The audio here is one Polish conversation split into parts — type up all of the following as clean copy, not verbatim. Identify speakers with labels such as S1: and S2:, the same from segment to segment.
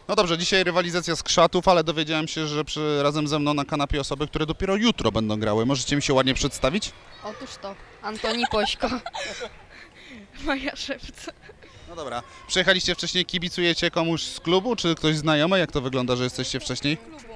S1: No dobrze, dzisiaj rywalizacja z Krzatów, ale dowiedziałem się, że razem ze mną na kanapie osoby, które dopiero jutro będą grały. Możecie mi się ładnie przedstawić?
S2: Otóż to, Antoni Pośko.
S3: Maja Szewca.
S1: No dobra. Przyjechaliście wcześniej, kibicujecie komuś z klubu, czy ktoś znajomy? Jak to wygląda, że jesteście wcześniej?
S3: Klubu.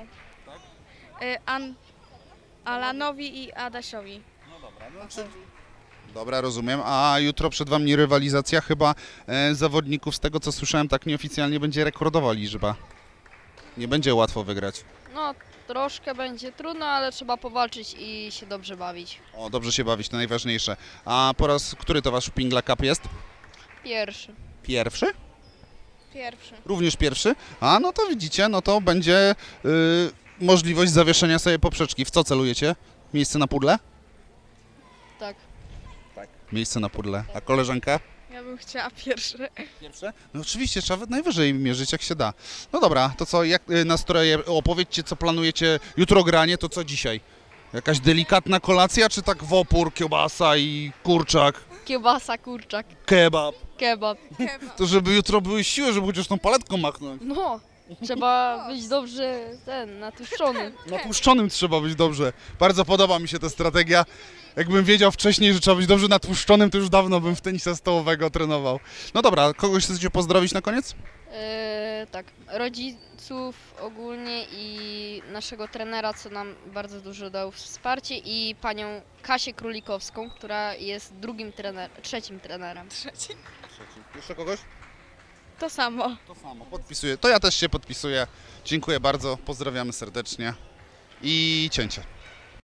S3: Alanowi i Adasiowi.
S1: Dobra, rozumiem. A jutro przed wami rywalizacja chyba zawodników, z tego co słyszałem, tak nieoficjalnie będzie rekordowa liczba. Nie będzie łatwo wygrać.
S2: No, troszkę będzie trudno, ale trzeba powalczyć i się dobrze bawić.
S1: O, dobrze się bawić, to najważniejsze. A po raz który to wasz Pingla Cup jest?
S2: Pierwszy.
S1: Pierwszy?
S3: Pierwszy.
S1: Również pierwszy? A, no to widzicie, no to będzie możliwość zawieszenia sobie poprzeczki. W co celujecie? Miejsce na pudle?
S2: Tak.
S1: Miejsce na pudle. A koleżanka?
S3: Ja bym chciała pierwszy.
S1: Pierwsze? No oczywiście, trzeba najwyżej mierzyć jak się da. No dobra, to co, jak nastroje, opowiedzcie co planujecie, jutro granie, to co dzisiaj? Jakaś delikatna kolacja, czy tak w opór, kiełbasa i kurczak,
S2: Kiełbasa, kurczak,
S1: kebab?
S2: kebab.
S1: To żeby jutro były siły, żeby chociaż tą paletką machnąć.
S2: No, trzeba być dobrze natłuszczony.
S1: Natłuszczonym trzeba być dobrze. Bardzo podoba mi się ta strategia. Jakbym wiedział wcześniej, że trzeba być dobrze natłuszczonym, to już dawno bym w tenisa stołowego trenował. No dobra, kogoś chcecie pozdrowić na koniec?
S2: Tak, rodziców ogólnie i naszego trenera, co nam bardzo dużo dał wsparcie i panią Kasię Królikowską, która jest trzecim trenerem.
S3: Trzeci.
S1: Jeszcze kogoś?
S3: To samo.
S1: To samo, podpisuję. To ja też się podpisuję. Dziękuję bardzo, pozdrawiamy serdecznie i cięcie.